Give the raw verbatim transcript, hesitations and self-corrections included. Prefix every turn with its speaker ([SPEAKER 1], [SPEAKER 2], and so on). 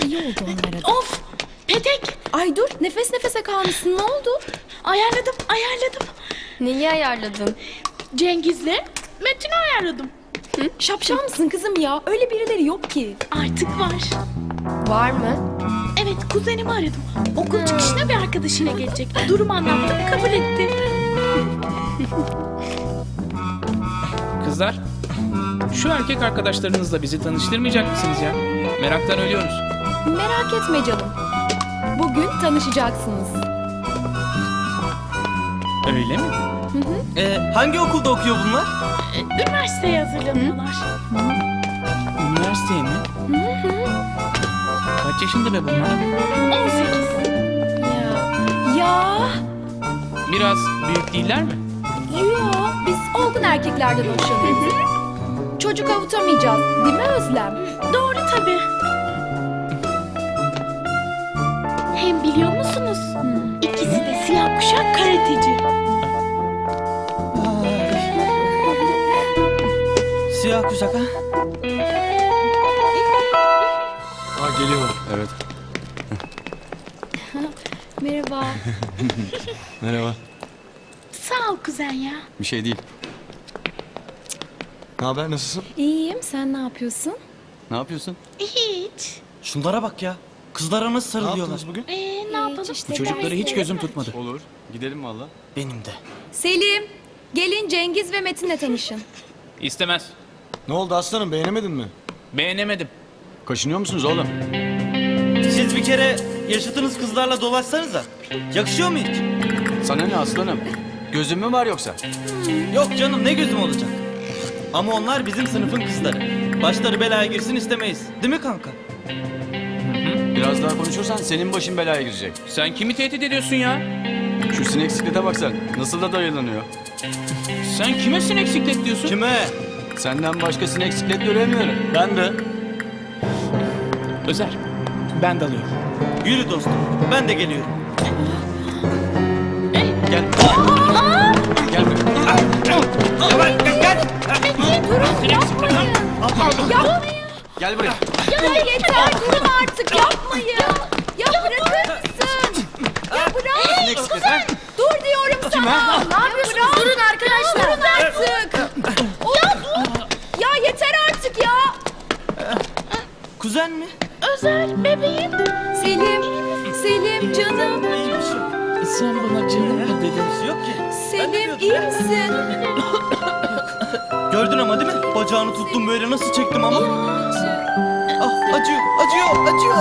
[SPEAKER 1] iyi oldu onlara da.
[SPEAKER 2] Of! Petek!
[SPEAKER 1] Ay dur, nefes nefese kalmışsın, ne oldu?
[SPEAKER 2] Ayarladım, ayarladım.
[SPEAKER 3] Neyi ayarladın?
[SPEAKER 2] Cengiz'le Metin'i ayarladım.
[SPEAKER 1] Şapşal mısın kızım ya? Öyle birileri yok ki.
[SPEAKER 2] Artık var.
[SPEAKER 3] Var mı?
[SPEAKER 2] Evet, kuzenimi aradım. Okul çıkışına bir arkadaşıyla gelecek. Durumu anlattım, kabul etti.
[SPEAKER 4] Kızlar, şu erkek arkadaşlarınızla bizi tanıştırmayacak mısınız ya? Meraktan ölüyoruz.
[SPEAKER 1] Merak etme canım. Bugün tanışacaksınız.
[SPEAKER 4] Öyle mi?
[SPEAKER 5] Ee, hangi okulda okuyor bunlar?
[SPEAKER 2] Ee, Üniversiteye hazırlanıyorlar.
[SPEAKER 4] Üniversiteye mi? Kaç yaşında be bunlar?
[SPEAKER 2] on sekiz.
[SPEAKER 1] Ya. Ya.
[SPEAKER 4] Biraz büyük değiller mi?
[SPEAKER 1] Yo, biz olgun erkeklerden hoşlanıyoruz. Çocuk avutamayacağız, değil mi Özlem?
[SPEAKER 2] Doğru tabii. Hem biliyor musunuz? İkisi de siyah kuşak karateci.
[SPEAKER 5] Siyah kuşak ha?
[SPEAKER 6] Ha geliyor. Evet.
[SPEAKER 1] Merhaba.
[SPEAKER 6] Merhaba.
[SPEAKER 2] Sağ ol kuzen ya.
[SPEAKER 6] Bir şey değil. Ne haber, nasılsın?
[SPEAKER 1] İyiyim, sen ne yapıyorsun?
[SPEAKER 6] Ne yapıyorsun?
[SPEAKER 2] Hiç.
[SPEAKER 5] Şunlara bak ya. Kızlara nasıl
[SPEAKER 6] Ne
[SPEAKER 5] sarılıyorlar?
[SPEAKER 6] yaptınız bugün?
[SPEAKER 2] Ee, ne yapalım?
[SPEAKER 4] Bu çocukları hiç gözüm tutmadı.
[SPEAKER 6] Olur. Gidelim valla.
[SPEAKER 5] Benim de.
[SPEAKER 1] Selim, gelin Cengiz ve Metin'le tanışın.
[SPEAKER 4] İstemez.
[SPEAKER 6] Ne oldu aslanım, beğenemedin mi?
[SPEAKER 4] Beğenemedim.
[SPEAKER 6] Kaşınıyor musunuz oğlum?
[SPEAKER 5] Siz bir kere yaşadığınız kızlarla dolaşsanıza. Yakışıyor mu hiç?
[SPEAKER 6] Sana ne aslanım? Gözün mü var yoksa?
[SPEAKER 5] Yok canım, ne gözüm olacak? Ama onlar bizim sınıfın kızları. Başları belaya girsin istemeyiz. Değil mi kanka?
[SPEAKER 6] Biraz daha konuşursan senin başın belaya girecek.
[SPEAKER 4] Sen kimi tehdit ediyorsun ya?
[SPEAKER 6] Şu sinek siklete bak sen. Nasıl da dayılanıyor.
[SPEAKER 4] Sen kime sinek siklet diyorsun?
[SPEAKER 5] Kime?
[SPEAKER 6] Senden başka sinek siklet göremiyorum.
[SPEAKER 5] Ben de.
[SPEAKER 4] Özer, ben dalıyorum.
[SPEAKER 5] Yürü dostum. Ben de geliyorum.
[SPEAKER 6] Gel. Gel buraya.
[SPEAKER 1] Durun, yapmayın. Yapmayın.
[SPEAKER 6] Gel buraya.
[SPEAKER 1] Ya yeter, durun artık, yapmayın. Ya bırakır mısın? Ya bırak.
[SPEAKER 6] Sinek siklet ha?
[SPEAKER 1] Dur diyorum sana. Ne yapıyorsunuz? Durun arkadaşlar. Durun artık. Ya dur. Ya yeter artık ya.
[SPEAKER 5] Kuzen mi?
[SPEAKER 2] Özer, bebeğim.
[SPEAKER 1] Selim, Selim canım.
[SPEAKER 5] İyiymiş yok.
[SPEAKER 4] Sen bana canım mı dedin?
[SPEAKER 5] Bir şey yok ki. Ben de
[SPEAKER 1] Selim
[SPEAKER 5] biliyordum.
[SPEAKER 1] iyi misin?
[SPEAKER 5] Gördün ama değil mi? Bacağını tuttum böyle nasıl çektim ama. Ah, acıyor, acıyor, acıyor.